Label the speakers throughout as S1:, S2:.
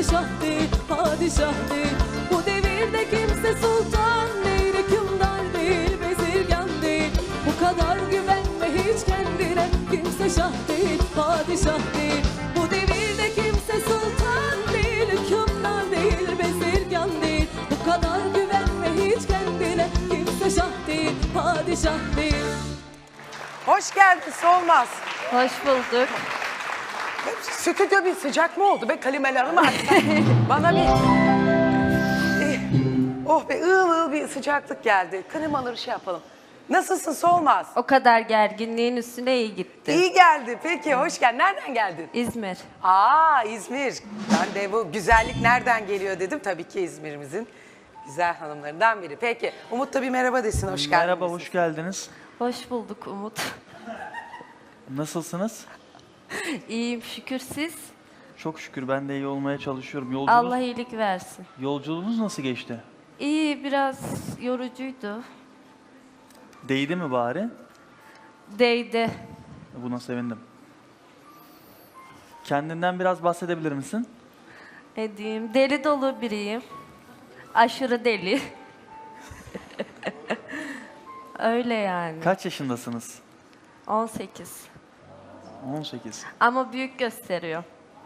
S1: şah değil, padişah değil. Bu devirde kimse sultan değil, hükümdar değil, bezirgan değil. Bu kadar güvenme hiç kendine, kimse şah değil, padişah değil. Bu devirde kimse sultan değil, hükümdar değil, bezirgan değil. Bu kadar güvenme hiç kendine, kimse şah değil, padişah değil.
S2: Hoş geldin Solmaz.
S3: Hoş bulduk.
S2: Stüdyo bir sıcak mı oldu be, kalimelerimi açsam. Bana bir... Oh be, ığıl bir sıcaklık geldi. Klimaları şey yapalım. Nasılsın Solmaz?
S3: O kadar gerginliğin üstüne iyi gitti.
S2: İyi geldi. Peki, hoş geldin. Nereden geldin?
S3: İzmir.
S2: Aa, İzmir. Ben de bu güzellik nereden geliyor dedim. Tabii ki İzmir'imizin güzel hanımlarından biri. Peki, Umut da bir merhaba desin. Hoş geldin.
S4: Merhaba, hoş geldiniz.
S3: Hoş bulduk Umut.
S4: Nasılsınız?
S3: İyiyim şükür siz.
S4: Çok şükür ben de iyi olmaya çalışıyorum.
S3: Allah iyilik versin.
S4: Yolculuğunuz nasıl geçti?
S3: İyi, biraz yorucuydu.
S4: Değdi mi bari?
S3: Değdi.
S4: Buna sevindim. Kendinden biraz bahsedebilir misin?
S3: Edeyim. Deli dolu biriyim. Aşırı deli. Öyle yani.
S4: Kaç yaşındasınız?
S3: 18.
S4: 18.
S3: Ama büyük gösteriyor.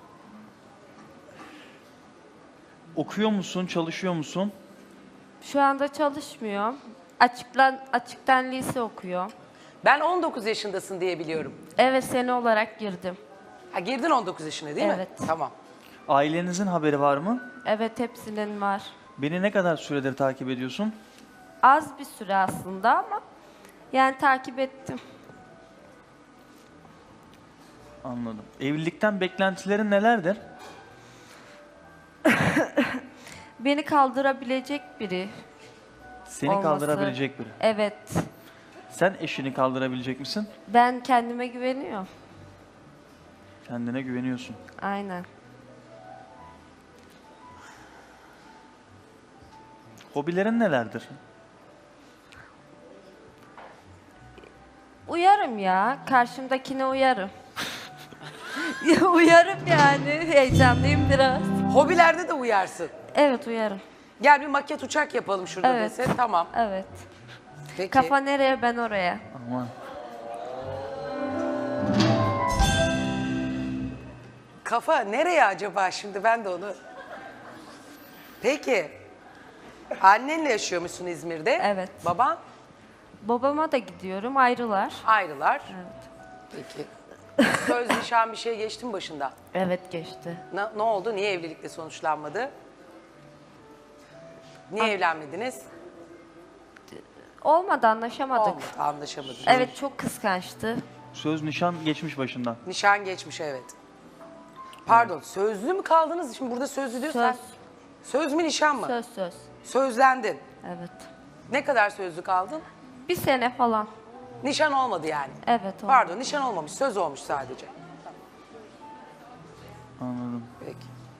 S4: Okuyor musun, çalışıyor musun?
S3: Şu anda çalışmıyor. Açıktan lise okuyor.
S2: Ben 19 yaşındasın diye biliyorum.
S3: Evet, sene olarak girdim.
S2: Ha, girdin 19 yaşına değil mi?
S3: Evet.
S2: Tamam.
S4: Ailenizin haberi var mı?
S3: Evet, hepsinin var.
S4: Beni ne kadar süredir takip ediyorsun?
S3: Az bir süre aslında ama yani takip ettim.
S4: Anladım. Evlilikten beklentilerin nelerdir?
S3: Beni kaldırabilecek biri
S4: Seni
S3: olması.
S4: kaldırabilecek biri.
S3: Evet.
S4: Sen eşini kaldırabilecek misin?
S3: Ben kendime güveniyorum.
S4: Kendine güveniyorsun.
S3: Aynen.
S4: Hobilerin nelerdir?
S3: Uyarım ya. Karşımdakine uyarım. Uyarım yani. Heyecanlıyım biraz.
S2: Hobilerde de uyarsın.
S3: Evet, uyarım.
S2: Gel bir maket uçak yapalım şurada
S3: Evet.
S2: dese. Tamam.
S3: Evet.
S2: Peki.
S3: Kafa nereye, ben oraya.
S4: Aman.
S2: Kafa nereye acaba şimdi, ben de onu... Peki. Annenle yaşıyormuşsun İzmir'de.
S3: Evet.
S2: Baban?
S3: Babama da gidiyorum, ayrılar.
S2: Ayrılar.
S3: Evet.
S2: Peki. Söz, nişan bir şey geçti mi başında?
S3: Evet, geçti.
S2: Ne oldu? Niye evlilikle sonuçlanmadı? Niye evlenmediniz?
S3: Olmadı, anlaşamadık.
S2: Olmadı, anlaşamadınız.
S3: Evet, çok kıskançtı.
S4: Söz nişan geçmiş başından.
S2: Nişan geçmiş, evet. Pardon, sözlü mü kaldınız? Şimdi burada sözlü diyorsan.
S3: Söz.
S2: Söz mü, nişan mı?
S3: Söz.
S2: Sözlendin.
S3: Evet.
S2: Ne kadar sözlü kaldın?
S3: Bir sene falan.
S2: Nişan olmadı yani.
S3: Evet, oldu.
S2: Pardon, nişan olmamış, söz olmuş sadece.
S4: Anladım.
S2: Peki.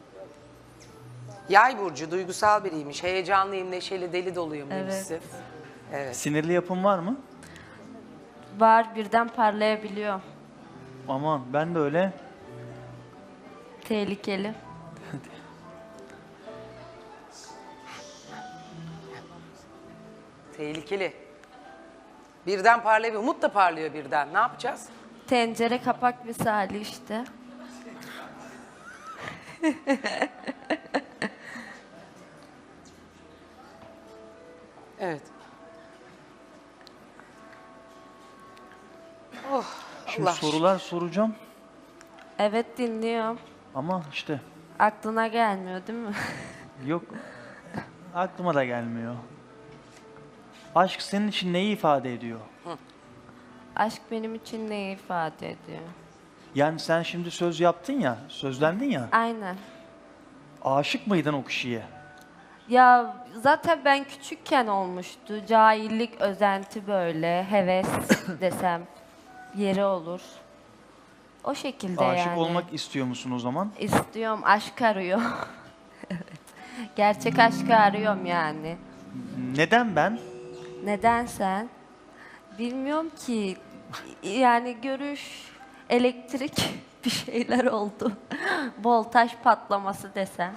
S2: Yay burcu, duygusal biriymiş. Heyecanlıyım, neşeli, deli doluyum demişsin. Evet.
S4: Sinirli yapın var mı?
S3: Var, birden parlayabiliyor.
S4: Aman ben de öyle.
S3: Tehlikeli.
S2: Tehlikeli. Birden parlıyor, Umut da parlıyor birden. Ne yapacağız?
S3: Tencere kapak misali işte.
S2: Evet. Oh,
S4: Şimdi
S2: Allah.
S4: sorular soracağım
S3: Evet, dinliyorum.
S4: ama işte
S3: Aklına gelmiyor değil mi?
S4: yok. Aklıma da gelmiyor. Aşk senin için neyi ifade ediyor?
S3: Aşk benim için ne ifade ediyor?
S4: Yani sen şimdi söz yaptın ya, sözlendin ya.
S3: Aynen.
S4: Aşık mıydın o kişiye?
S3: Ya zaten ben küçükken olmuştu. Cahillik, özenti böyle, heves desem yeri olur. O şekilde
S4: Aşık
S3: yani.
S4: olmak istiyor musun o zaman?
S3: İstiyorum, aşk arıyor. Evet. Gerçek aşkı arıyorum yani.
S4: Neden ben?
S3: Neden sen? Bilmiyorum ki. Yani görüş, elektrik. bir şeyler oldu. Voltaj patlaması desem.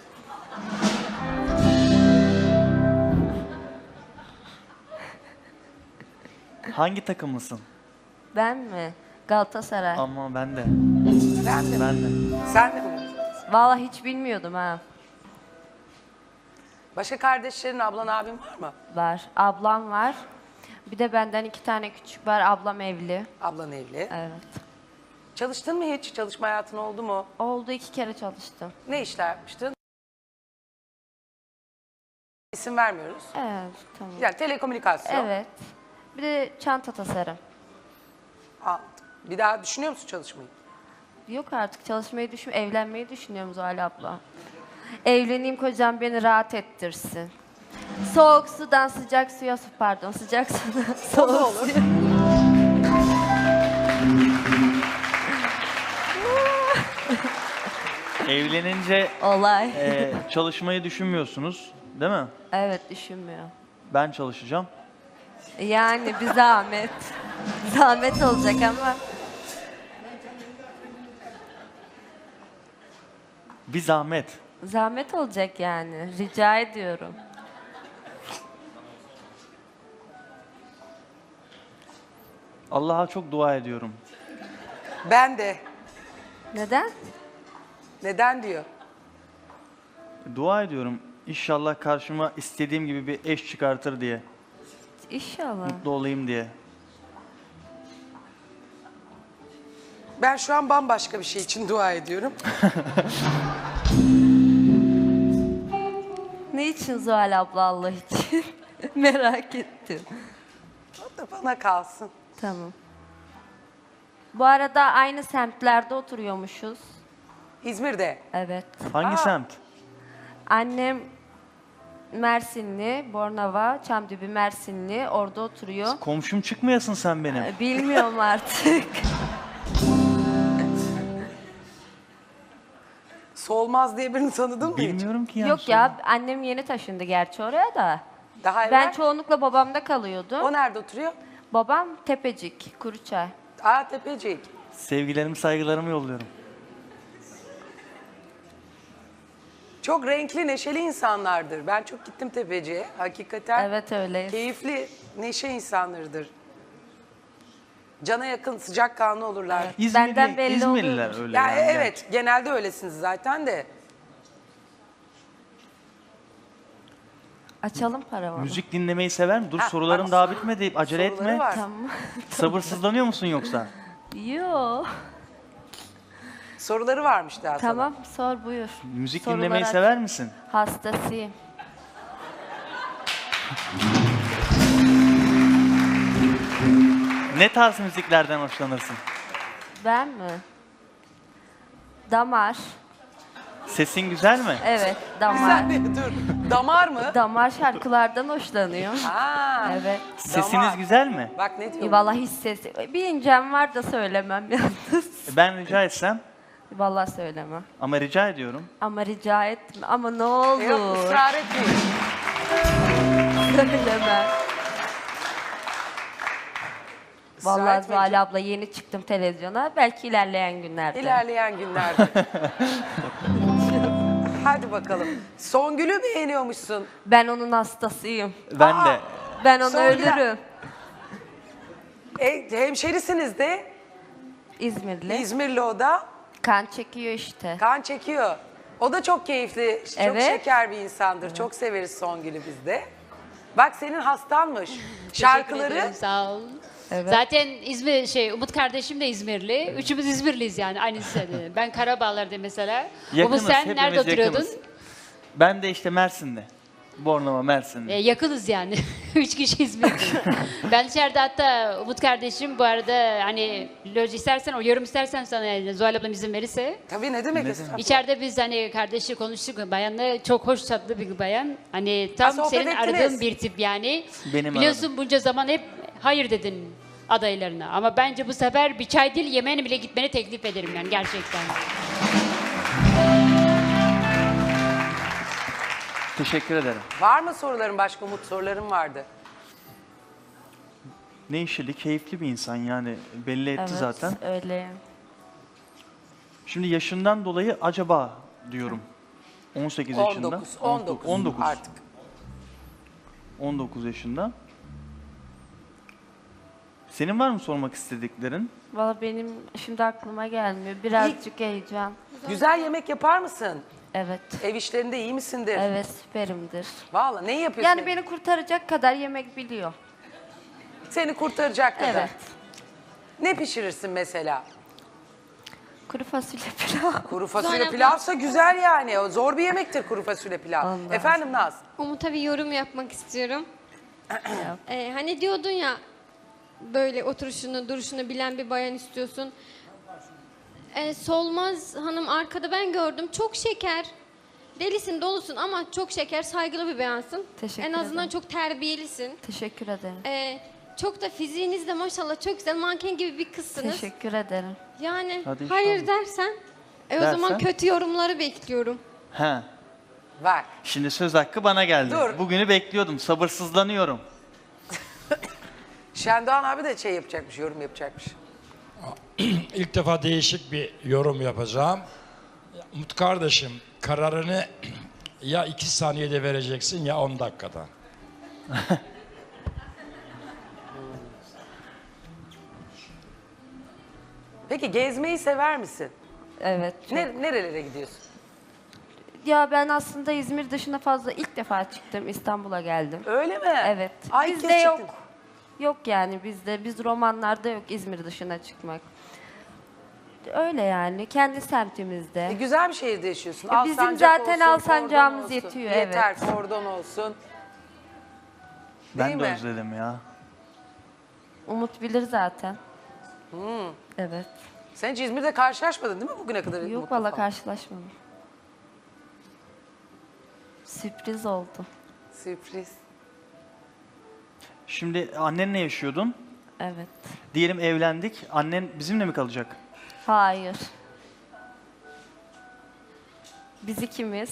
S4: Hangi takımlısın?
S3: Ben mi? Galatasaray.
S4: Ama ben de.
S2: Ben de.
S4: Ben de.
S2: Sen de mi?
S3: Vallahi hiç bilmiyordum ha.
S2: Başka kardeşlerin, ablan, abin var mı?
S3: Var. Ablam var. Bir de benden 2 tane küçük var. Ablam evli.
S2: Ablan evli.
S3: Evet.
S2: Çalıştın mı hiç? Çalışma hayatın oldu mu?
S3: Oldu, 2 kere çalıştım.
S2: Ne işler yapmıştın? İsim vermiyoruz.
S3: Evet, tamam.
S2: Yani telekomünikasyon.
S3: Evet. Bir de çanta tasarım.
S2: Anladım. Bir daha düşünüyor musun çalışmayı?
S3: Yok artık çalışmayı evlenmeyi düşünüyorum Zuhal abla. Evleneyim, kocam beni rahat ettirsin. Soğuk sudan sıcak suya, pardon, sıcak sudan
S2: O da
S3: soğuk
S2: olur.
S3: suya.
S4: Evlenince
S3: Olay.
S4: çalışmayı düşünmüyorsunuz, değil mi?
S3: Evet, düşünmüyor.
S4: Ben çalışacağım.
S3: Yani bir zahmet. Zahmet olacak ama
S4: Bir zahmet.
S3: zahmet olacak yani. Rica ediyorum.
S4: Allah'a çok dua ediyorum.
S2: Ben de.
S3: Neden?
S2: Neden diyor?
S4: Dua ediyorum. İnşallah karşıma istediğim gibi bir eş çıkartır diye.
S3: İnşallah.
S4: Mutlu olayım diye.
S2: Ben şu an bambaşka bir şey için dua ediyorum.
S3: Ne için Zuhal abla, Allah için? Merak ettim.
S2: O da bana kalsın.
S3: Tamam. Bu arada aynı semtlerde oturuyormuşuz.
S2: İzmir'de.
S3: Evet.
S4: Hangi
S2: Aa.
S4: semt?
S3: Annem Mersinli, Bornova, Çamdibi Mersinli. Orada oturuyor.
S4: Komşum çıkmayasın sen benim.
S3: Bilmiyorum artık.
S2: Solmaz diye birini tanıdın mı hiç?
S4: Bilmiyorum ki yani.
S3: Yok ya, annem yeni taşındı gerçi oraya da.
S2: Daha evvel.
S3: Ben çoğunlukla babamda kalıyordum.
S2: O nerede oturuyor?
S3: Babam Tepecik, Kuruçay.
S2: Aa, Tepecik.
S4: Sevgilerimi, saygılarımı yolluyorum.
S2: Çok renkli, neşeli insanlardır. Ben çok gittim Tepecik'e. Hakikaten
S3: Evet, öyleyiz.
S2: keyifli, neşe insanlarıdır. Cana yakın, sıcakkanlı olurlar.
S3: Benden belli
S4: İzmirliler
S3: oluyormuş.
S4: öyle
S2: Ya
S4: yani.
S2: evet, genelde öylesiniz zaten de.
S3: Açalım paravanı.
S4: Müzik dinlemeyi sever mi? Dur
S2: Ha,
S4: sorularım
S2: bak,
S4: daha bitmedi. Acele
S2: soruları
S4: etme.
S2: var.
S3: Tamam.
S4: Sabırsızlanıyor musun yoksa?
S3: Yo.
S2: Soruları varmış daha sana.
S3: Tamam, sor buyur.
S4: Müzik
S3: Soruları
S4: dinlemeyi
S3: aç.
S4: sever misin?
S3: Hastasıyım.
S4: Ne tarz müziklerden hoşlanırsın?
S3: Ben mi? Damar.
S4: Sesin güzel mi?
S3: Evet,
S2: Bir
S3: damar.
S2: saniye dur. Damar mı?
S3: Damar şarkılardan hoşlanıyorum.
S2: Aa,
S3: Evet.
S4: Sesiniz
S2: damar.
S4: güzel mi?
S2: Bak ne diyor?
S3: Vallahi hiç sesi. Bir incem var da söylemem yalnız.
S4: Ben rica etsem
S3: Vallahi söylemem.
S4: ama rica ediyorum.
S3: Ama rica etme. Ama ne
S2: Yok,
S3: olur.
S2: ısrar etmeyin.
S3: Söylemem.
S2: Israr
S3: Vallahi
S2: etmeyin.
S3: Zuhal abla, yeni çıktım televizyona. Belki ilerleyen günlerde.
S2: İlerleyen günlerde. Hadi bakalım. Songül'ü beğeniyormuşsun.
S3: Ben onun hastasıyım.
S4: Ben de.
S3: Ben onu
S2: Songül-
S3: ölürüm.
S2: Hemşerisiniz de.
S3: İzmirli.
S2: İzmirli o da.
S3: Kan çekiyor işte.
S2: Kan çekiyor. O da çok keyifli, çok
S3: Evet.
S2: şeker bir insandır. Çok severiz Songül'ü biz de. Bak senin hastanmış. Şarkıları
S5: Teşekkür ederim, sağ ol.
S3: Evet.
S5: Zaten Umut kardeşim de İzmirli. Üçümüz İzmirliyiz yani aynı lisede. Ben Karabağlar'da mesela.
S4: Yakınız,
S5: Umut sen
S4: hepimiz
S5: nerede oturuyordun?
S4: yakınız. Ben de işte Mersin'de. Bornova, Mersin'de.
S5: Yakınız yani. Üç kişi İzmirli. Ben içeride hatta Umut kardeşim bu arada hani loj istersen, o yorum istersen sana yani, Zuhal ablam izin verirse.
S2: tabii ne demek
S4: Ne
S2: estağfurullah.
S5: İçeride biz hani kardeşi konuştuk. Bayanla çok hoş tatlı bir bayan. Hani tam
S2: sohbet
S5: senin
S2: ettiniz.
S5: aradığın bir tip yani.
S4: Benim
S5: Biliyorsun bunca zaman hep hayır dedin adaylarına. Ama bence bu sefer bir çay değil yemeğine bile gitmeni teklif ederim yani gerçekten.
S4: Teşekkür ederim.
S2: Var mı soruların başka? Umut sorularım vardı.
S4: Ne işli, keyifli bir insan yani belli etti
S3: Evet,
S4: zaten.
S3: öyle.
S4: Şimdi yaşından dolayı acaba diyorum. 18 yaşında.
S2: 19 artık.
S4: 19 yaşında. Senin var mı sormak istediklerin?
S3: Valla benim şimdi aklıma gelmiyor. Birazcık heyecan.
S2: Güzel yemek yapar mısın?
S3: Evet.
S2: Ev işlerinde iyi misindir?
S3: Evet, süperimdir.
S2: Vallahi neyi yapıyorsun?
S3: Yani beni kurtaracak kadar yemek biliyor.
S2: Seni kurtaracak kadar.
S3: Evet.
S2: Ne pişirirsin mesela?
S3: Kuru fasulye pilav.
S2: Kuru fasulye pilavsa güzel yani. O zor bir yemektir kuru fasulye pilav.
S3: Allah.
S2: Efendim Naz?
S6: Umut'a bir yorum yapmak istiyorum. Hani diyordun ya böyle oturuşunu, duruşunu bilen bir bayan istiyorsun. Solmaz Hanım arkada ben gördüm. Çok şeker. Delisin, dolusun ama çok şeker, saygılı bir bayansın.
S3: Teşekkür
S6: En azından
S3: ederim.
S6: çok terbiyelisin.
S3: Teşekkür ederim.
S6: Çok da fiziğiniz de maşallah çok güzel. Manken gibi bir kızsınız.
S3: Teşekkür ederim.
S6: Yani
S4: Hadi
S6: hayır
S4: inşallah.
S6: dersen o
S4: Dersen?
S6: zaman kötü yorumları bekliyorum.
S4: He.
S2: Var.
S4: Şimdi söz hakkı bana geldi.
S2: Dur.
S4: Bugünü bekliyordum. Sabırsızlanıyorum.
S2: Şendoğan abi de şey yapacakmış, yorum yapacakmış.
S7: İlk defa değişik bir yorum yapacağım. Umut kardeşim, kararını ya 2 saniyede vereceksin ya 10 dakikada.
S2: Peki gezmeyi sever misin?
S3: Evet. çok-
S2: Nerelere gidiyorsun?
S3: Ya ben aslında İzmir dışına fazla ilk defa çıktım. İstanbul'a geldim.
S2: Öyle mi?
S3: Evet.
S2: Ay, ilk
S3: Bizde
S2: kez
S3: yok.
S2: çıktın.
S3: Yok yani bizde. Biz romanlarda yok İzmir dışına çıkmak. Öyle yani. Kendi semtimizde.
S2: Güzel bir şehirde yaşıyorsun.
S3: Bizim
S2: Alsancak
S3: zaten
S2: olsun,
S3: Alsancağımız
S2: kordon olsun.
S3: yetiyor,
S2: Yeter,
S3: evet.
S2: kordon olsun.
S4: Ben
S2: Değil
S4: de
S2: mi?
S4: özledim ya.
S3: Umut bilir zaten. Evet.
S2: Sen hiç İzmir'de karşılaşmadın değil mi bugüne kadar?
S3: Yok
S2: Umut'la
S3: valla
S2: falan?
S3: karşılaşmadım. Sürpriz oldu.
S2: Sürpriz.
S4: Şimdi annenle yaşıyordun.
S3: Evet.
S4: Diyelim evlendik. Annen bizimle mi kalacak?
S3: Hayır. Biz ikimiz.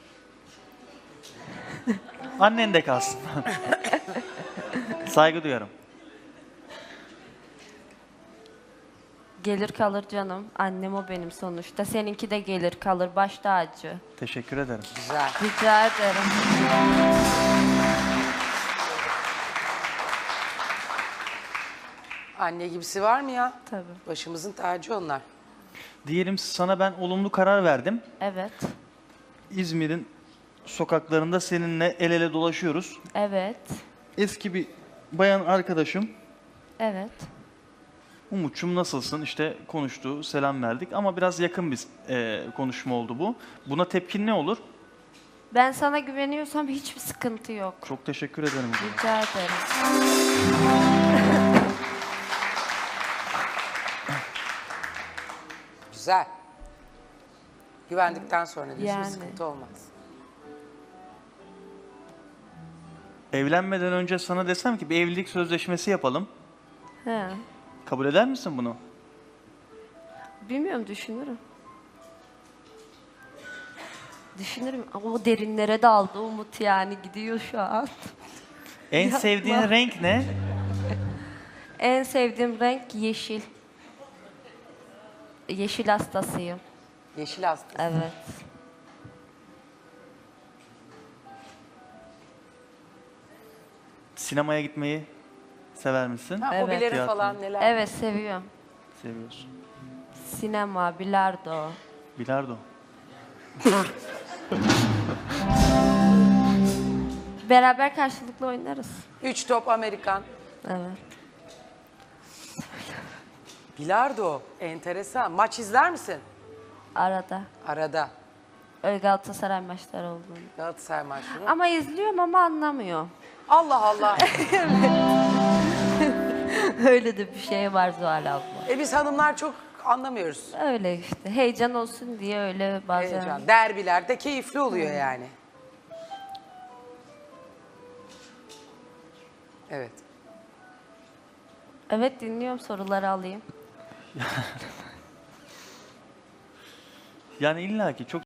S4: Annen de kalsın. Saygı duyarım.
S3: Gelir kalır canım. Annem o benim sonuçta. Seninki de gelir kalır. Baş tacı.
S4: Teşekkür ederim.
S2: Güzel.
S3: Rica ederim.
S2: Anne gibisi var mı ya?
S3: Tabii.
S2: Başımızın tacı onlar.
S4: Diyelim sana ben olumlu karar verdim.
S3: Evet.
S4: İzmir'in sokaklarında seninle el ele dolaşıyoruz.
S3: Evet.
S4: Eski bir bayan arkadaşım.
S3: Evet.
S4: Umut'cum nasılsın? İşte konuştu, selam verdik ama biraz yakın bir konuşma oldu bu. Buna tepkin ne olur?
S3: Ben sana güveniyorsam hiçbir sıkıntı yok.
S4: Çok teşekkür ederim.
S3: Rica ederim.
S2: Güzel. Güvendikten sonra diyorsun
S3: Yani.
S2: sıkıntı olmaz.
S4: Evlenmeden önce sana desem ki bir evlilik sözleşmesi yapalım.
S3: He.
S4: Kabul eder misin bunu?
S3: Bilmiyorum, düşünürüm. Düşünürüm ama o derinlere daldı Umut, yani gidiyor şu an.
S4: En sevdiğin renk ne?
S3: En sevdiğim renk yeşil. Yeşil hastasıyım.
S2: Yeşil hasta.
S3: Evet.
S4: Sinemaya gitmeyi sever misin?
S2: Ha,
S3: Evet.
S2: hobilerin
S4: Tiyatro.
S2: falan neler?
S3: Evet, seviyorum.
S4: Seviyorsun.
S3: Sinema, bilardo.
S4: Bilardo.
S3: Beraber karşılıklı oynarız.
S2: 3 top Amerikan.
S3: Evet.
S2: Bilardo. Enteresan. Maç izler misin?
S3: Arada.
S2: Arada.
S3: Öyle Galatasaray maçları olduğunu.
S2: Galatasaray maçları.
S3: Ama izliyorum ama anlamıyor.
S2: Allah Allah.
S3: Öyle de bir şey var Zuhal abla.
S2: Biz hanımlar çok anlamıyoruz.
S3: Öyle işte. Heyecan olsun diye öyle bazen.
S2: Heyecan. Derbiler de keyifli oluyor yani. Evet.
S3: Evet, dinliyorum, soruları alayım.
S4: Yani illaki çok